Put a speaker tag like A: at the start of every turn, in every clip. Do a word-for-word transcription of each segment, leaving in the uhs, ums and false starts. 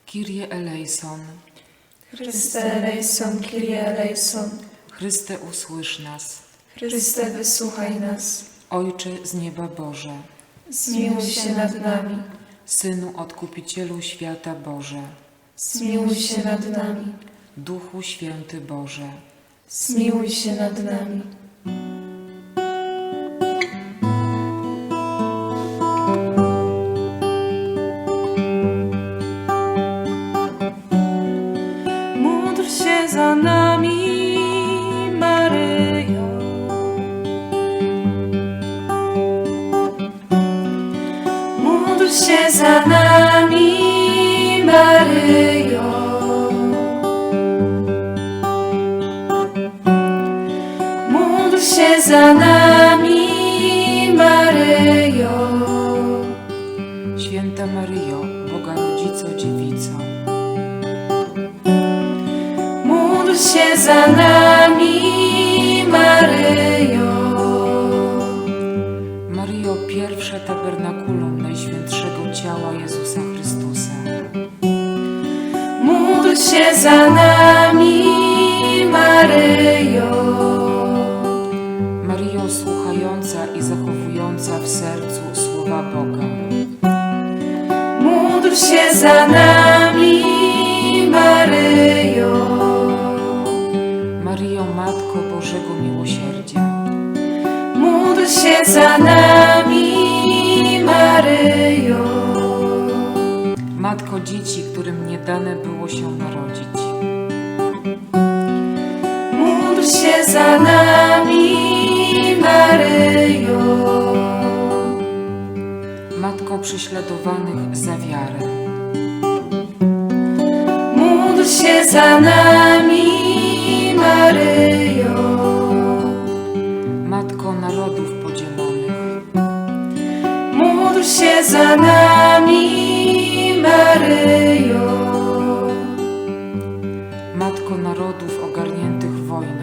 A: Kyrie eleison.
B: Chryste eleison, Kyrie eleison.
A: Chryste, usłysz nas.
B: Chryste, wysłuchaj nas.
A: Ojcze z nieba Boże.
B: Zmiłuj się nad nami.
A: Synu Odkupicielu świata Boże.
B: Zmiłuj się nad nami.
A: Duchu Święty Boże.
B: Zmiłuj się nad nami. Módl się za nami, Maryjo. Módl się za nami, Maryjo. Módl się za nami, Maryjo.
A: Święta Maryjo, Boga Rodzico, Dziewico.
B: Módl się za nami, Maryjo.
A: Maryjo, pierwsze tabernakulum Najświętszego Ciała Jezusa Chrystusa.
B: Módl się za nami, Maryjo.
A: Maryjo, słuchająca i zachowująca w sercu słowa Boga.
B: Módl się za nami, Maryjo.
A: Maryjo, Matko Bożego Miłosierdzia.
B: Módl się za nami, Maryjo.
A: Matko dzieci, którym nie dane było się narodzić.
B: Módl się za nami, Maryjo.
A: Matko prześladowanych za wiarę.
B: Módl się za nami, Maryjo.
A: Matko narodów podzielonych.
B: Módl się za nami, Maryjo.
A: Matko narodów ogarniętych wojną.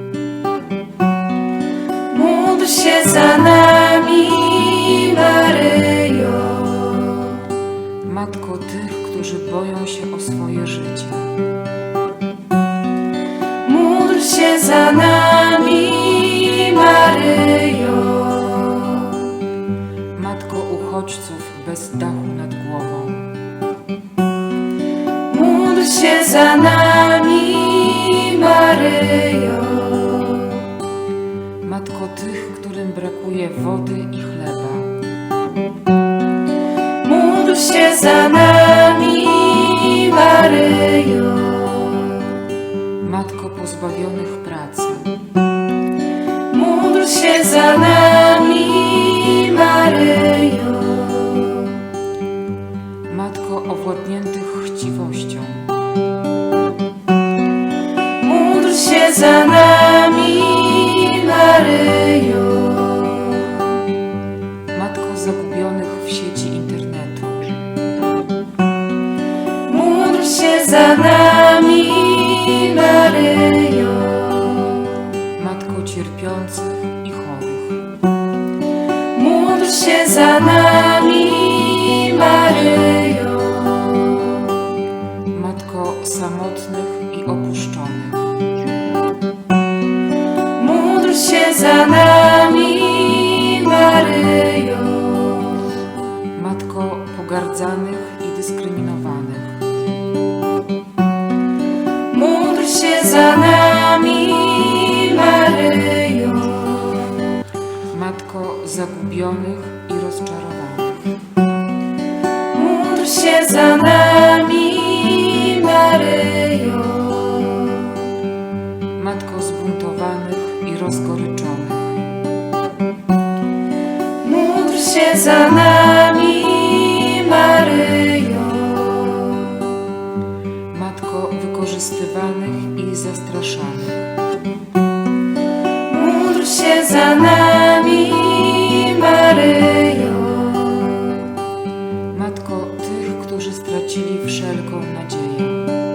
B: Módl się za nami, Maryjo.
A: Matko tych, którzy boją się o swoje życie.
B: Módl się za nami, Maryjo.
A: Matko uchodźców bez dachu nad głową.
B: Módl się za nami, Maryjo.
A: Matko tych, którym brakuje wody i chleba.
B: Módl się za nami, Maryjo.
A: Matko pozbawionych pracy.
B: Módl się za nami, Maryjo.
A: Matko owładniętych chciwością.
B: Módl się za nami, Maryjo.
A: Matko zagubionych w sieci internetu.
B: Módl się za nami, Maryjo.
A: Matko cierpiących i chorych.
B: Módl się za nami, Maryjo.
A: Matko samotnych i opuszczonych.
B: Módl się za nami, Maryjo.
A: Matko pogardzanych i dyskryminowanych.
B: Módl się za nami, Maryjo.
A: Matko zagubionych i rozczarowanych.
B: Módl się za nami, Maryjo.
A: Matko zbuntowanych i rozgoryczonych.
B: Módl się za nami, Maryjo.
A: Matko wykorzystywanych i zastraszanych.
B: Módl się za nami, Maryjo.
A: Matko tych, którzy stracili wszelką nadzieję.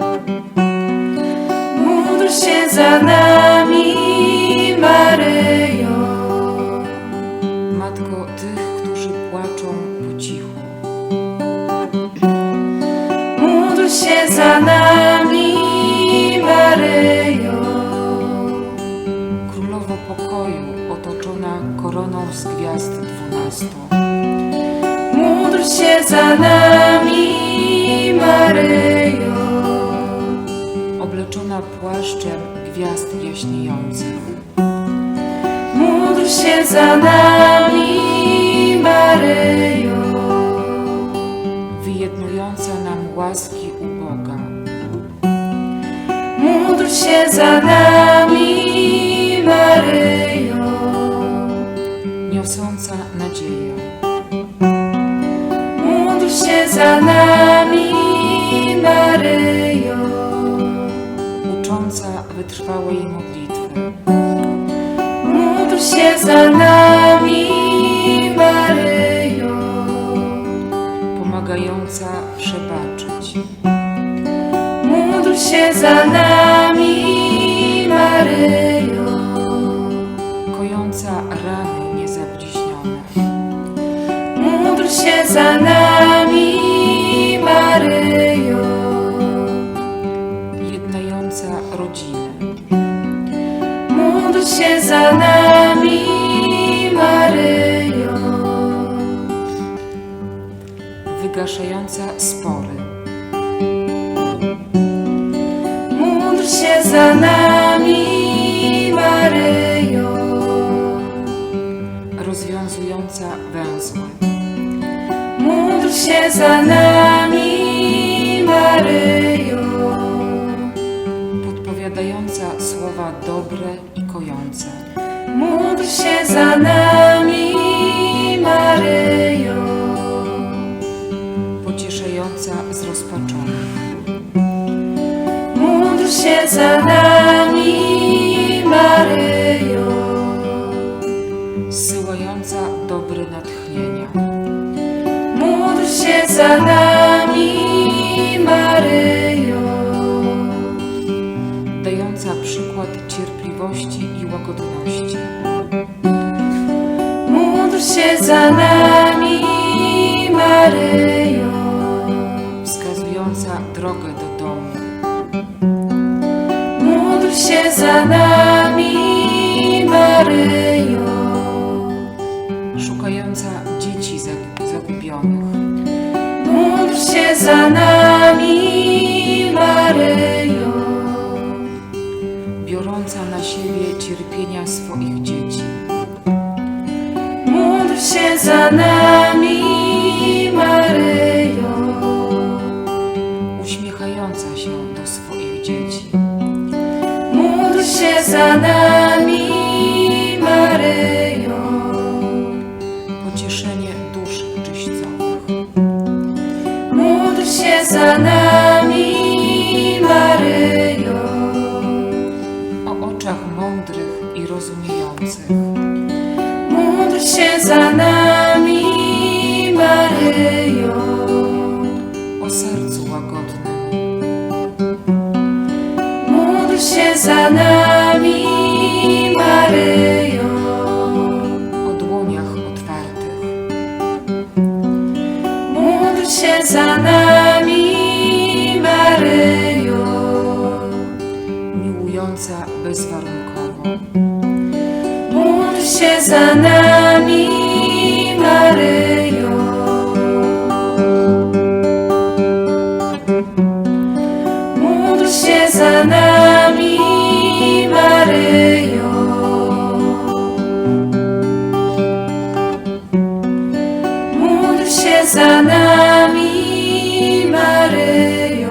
B: Módl się za nami, Maryjo.
A: Matko tych, którzy płaczą po cichu.
B: za nami, Maryjo.
A: Królowo pokoju, otoczona koroną z gwiazd dwunastu.
B: Módl się za nami, Maryjo.
A: Obleczona płaszczem gwiazd jaśniejących.
B: Módl się za nami, Maryjo.
A: Wyjednująca nam łaski u Boga.
B: Módl się za nami, Maryjo.
A: Niosąca nadzieję.
B: Módl się za nami, Maryjo.
A: Ucząca wytrwałej modlitwy.
B: Módl się za nami, Maryjo.
A: Pomagająca przebaczyć.
B: Módl się za nami, Maryjo.
A: Kojąca rany niezabliźnione.
B: Módl się za nami, Maryjo.
A: Jednająca rodziny.
B: Módl się za nami, Maryjo.
A: Wygaszająca spory.
B: Módl się za nami, Maryjo.
A: Rozwiązująca węzły.
B: Módl się za nami, Maryjo.
A: Podpowiadająca słowa dobre i kojące.
B: Módl się za nami, Maryjo.
A: Pocieszająca zrozpaczonych.
B: Módl się za nami, Maryjo.
A: Zsyłająca dobre natchnienia.
B: Módl się za nami, Maryjo.
A: Dająca przykład cierpliwości i łagodności.
B: Módl się za nami, Maryjo.
A: Wskazująca drogę do domu.
B: Módl się za nami, Maryjo.
A: Szukająca dzieci zag- zagubionych.
B: Módl się za nami, Maryjo.
A: Biorąca na siebie cierpienia swoich dzieci.
B: Módl się za nami, Maryjo.
A: Uśmiechająca się do swoich dzieci.
B: Módl się za nami, Maryjo.
A: Pocieszenie dusz czyścowych.
B: Módl się za nami, Maryjo.
A: O oczach mądrych i rozumiejących.
B: Módl się za nami, Maryjo.
A: O sercu łagodnym.
B: Módl się za nami, Maryjo.
A: O dłoniach otwartych.
B: Módl się za nami, Maryjo.
A: Miłująca bezwarunkowo.
B: Módl się za nami, Maryjo. Módl się za nami, Maryjo. Módl się za nami, Maryjo.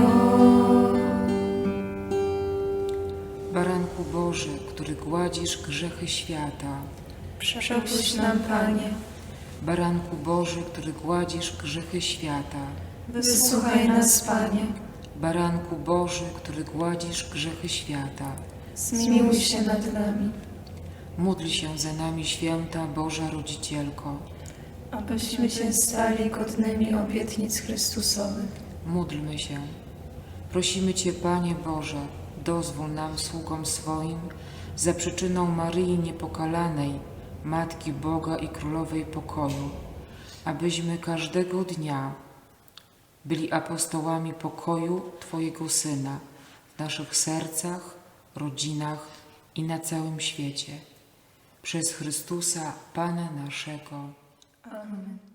A: Baranku Boży, który gładzisz grzechy świata.
B: Przepuść nam, Panie.
A: Baranku Boży, który gładzisz grzechy świata.
B: Wysłuchaj nas, Panie.
A: Baranku Boży, który gładzisz grzechy świata.
B: Zmiłuj się nad nami,
A: Módl się za nami, święta Boża Rodzicielko.
B: abyśmy się stali godnymi obietnic Chrystusowych.
A: Módlmy się. Prosimy Cię, Panie Boże, dozwól nam, sługom swoim, za przyczyną Maryi Niepokalanej, Matki Boga i Królowej Pokoju, abyśmy każdego dnia byli apostołami pokoju Twojego Syna w naszych sercach, rodzinach i na całym świecie. Przez Chrystusa, Pana naszego.
B: Amen.